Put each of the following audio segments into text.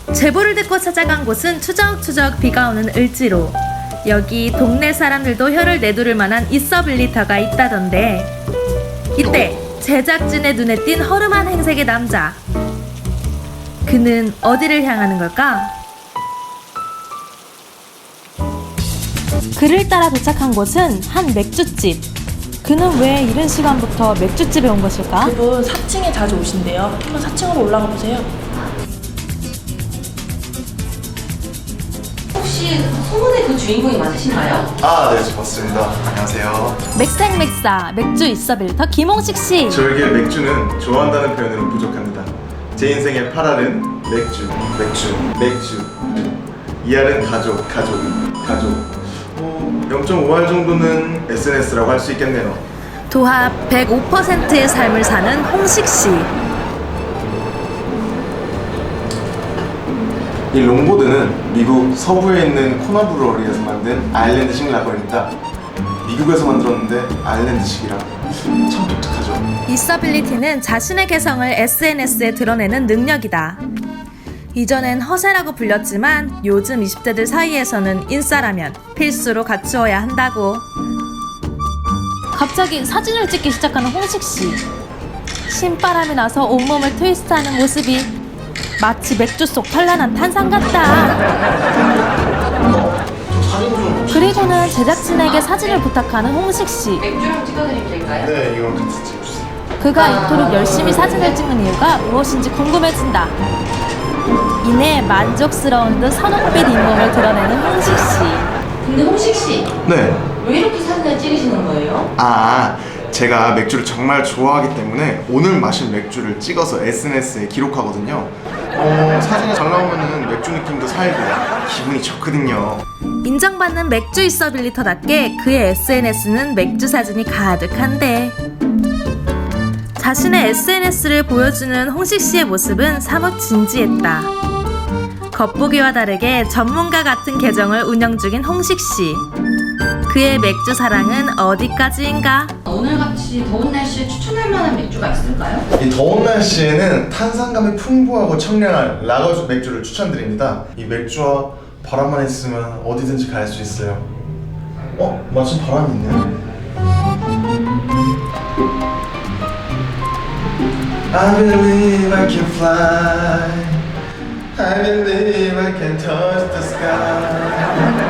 제보를 듣고 찾아간 곳은 추적추적 비가 오는 을지로. 여기 동네 사람들도 혀를 내두를 만한 있어빌리터가 있다던데, 이때 제작진의 눈에 띈 허름한 행색의 남자. 그는 어디를 향하는 걸까? 그를 따라 도착한 곳은 한 맥주집. 그는 왜 이른 시간부터 맥주집에 온 것일까? 그분 4층에 자주 오신대요. 한번 4층으로 올라가 보세요. 혹시 소문의 그 주인공이 맞으신가요? 아, 네, 맞습니다. 안녕하세요. 맥생맥사 맥주 있어빌리터 김홍식 씨. 저에게 맥주는 좋아한다는 표현으로 부족합니다. 제 인생의 8알은 맥주. 이알은 가족. 0.5알 정도는 SNS라고 할 수 있겠네요. 도합 105%의 삶을 사는 홍식 씨. 이 롱보드는 미국 서부에 있는 코너 브루어리에서 만든 아일랜드식 라거입니다. 미국에서 만들었는데 아일랜드식이라 참 독특하죠. 있어빌리티는 자신의 개성을 SNS에 드러내는 능력이다. 이전엔 허세라고 불렸지만 요즘 20대들 사이에서는 인싸라면 필수로 갖추어야 한다고. 갑자기 사진을 찍기 시작하는 홍식 씨. 신바람이 나서 온몸을 트위스트하는 모습이 마치 맥주 속 현란한 탄산 같다. 그리고는 제작진에게 사진을 부탁하는 홍식 씨. 맥주랑 찍어드리면 될까요? 네, 이거 같이 찍어주세요. 그가 이토록 열심히 사진을 찍는 이유가 무엇인지 궁금해진다. 이내 만족스러운 듯 선홍빛 잇몸을 드러내는 홍식 씨. 근데 홍식 씨, 네. 왜 이렇게 사진을 찍으시는 거예요? 제가 맥주를 정말 좋아하기 때문에 오늘 마신 맥주를 찍어서 SNS에 기록하거든요. 사진이 잘 나오면은 맥주 느낌도 살고 기분이 좋거든요. 인정받는 맥주 있어빌리터답게 그의 SNS는 맥주 사진이 가득한데, 자신의 SNS를 보여주는 홍식 씨의 모습은 사뭇 진지했다. 겉보기와 다르게 전문가 같은 계정을 운영 중인 홍식 씨. 그의 맥주 사랑은 어디까지인가? 오늘같이 더운 날씨에 추천할 만한 맥주가 있을까요? 이 더운 날씨에는 탄산감이 풍부하고 청량한 라거 맥주를 추천드립니다. 이 맥주와 바람만 있으면 어디든지 갈 수 있어요. 마침 바람이 있네. I believe I can fly. I believe I can touch the sky.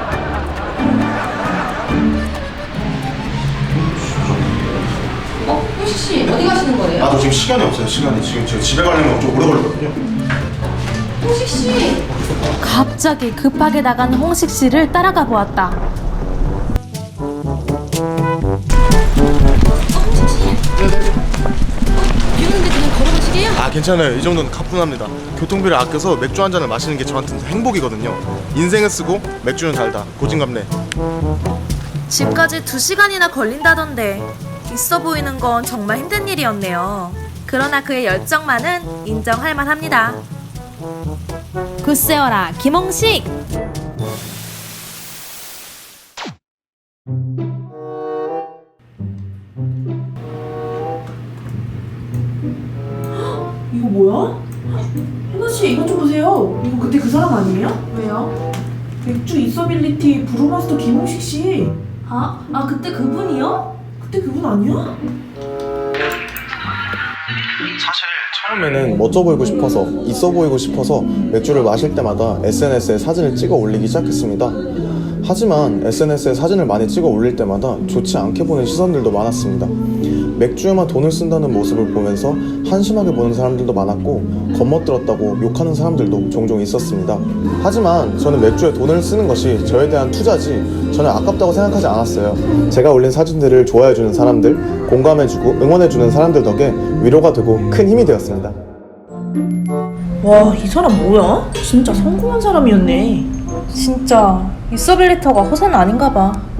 홍식 씨, 어디 가시는 거예요? 저 지금 시간이 없어요. 지금 제가 집에 가려면 좀 오래 걸리거든요. 홍식 씨! 갑자기 급하게 나간 홍식 씨를 따라가 보았다. 홍식 씨! 비 오는데 그냥 걸어가시게요? 괜찮아요. 이 정도는 가뿐합니다. 교통비를 아껴서 맥주 한 잔을 마시는 게 저한테는 행복이거든요. 인생을 쓰고 맥주는 달다. 고진감래. 집까지 2시간이나 걸린다던데 있어 보이는 건 정말 힘든 일이었네요. 그러나 그의 열정만은 인정할 만합니다. 굿세어라 김홍식! 이거 뭐야? 혜나씨, 이것 좀 보세요. 이거 그때 그 사람 아니에요? 왜요? 맥주 있어빌리티 브루마스터 김홍식 씨. 그때 그분이요? 그때 그분 아니야? 사실 처음에는 멋져 보이고 싶어서 있어 보이고 싶어서 맥주를 마실 때마다 SNS에 사진을 찍어 올리기 시작했습니다. 하지만 SNS에 사진을 많이 찍어 올릴 때마다 좋지 않게 보는 시선들도 많았습니다. 맥주에만 돈을 쓴다는 모습을 보면서 한심하게 보는 사람들도 많았고 겁먹들었다고 욕하는 사람들도 종종 있었습니다. 하지만 저는 맥주에 돈을 쓰는 것이 저에 대한 투자지 저는 아깝다고 생각하지 않았어요. 제가 올린 사진들을 좋아해주는 사람들, 공감해주고 응원해주는 사람들 덕에 위로가 되고 큰 힘이 되었습니다. 와, 이 사람 뭐야? 진짜 성공한 사람이었네. 진짜 있어빌리터가 허세는 아닌가 봐.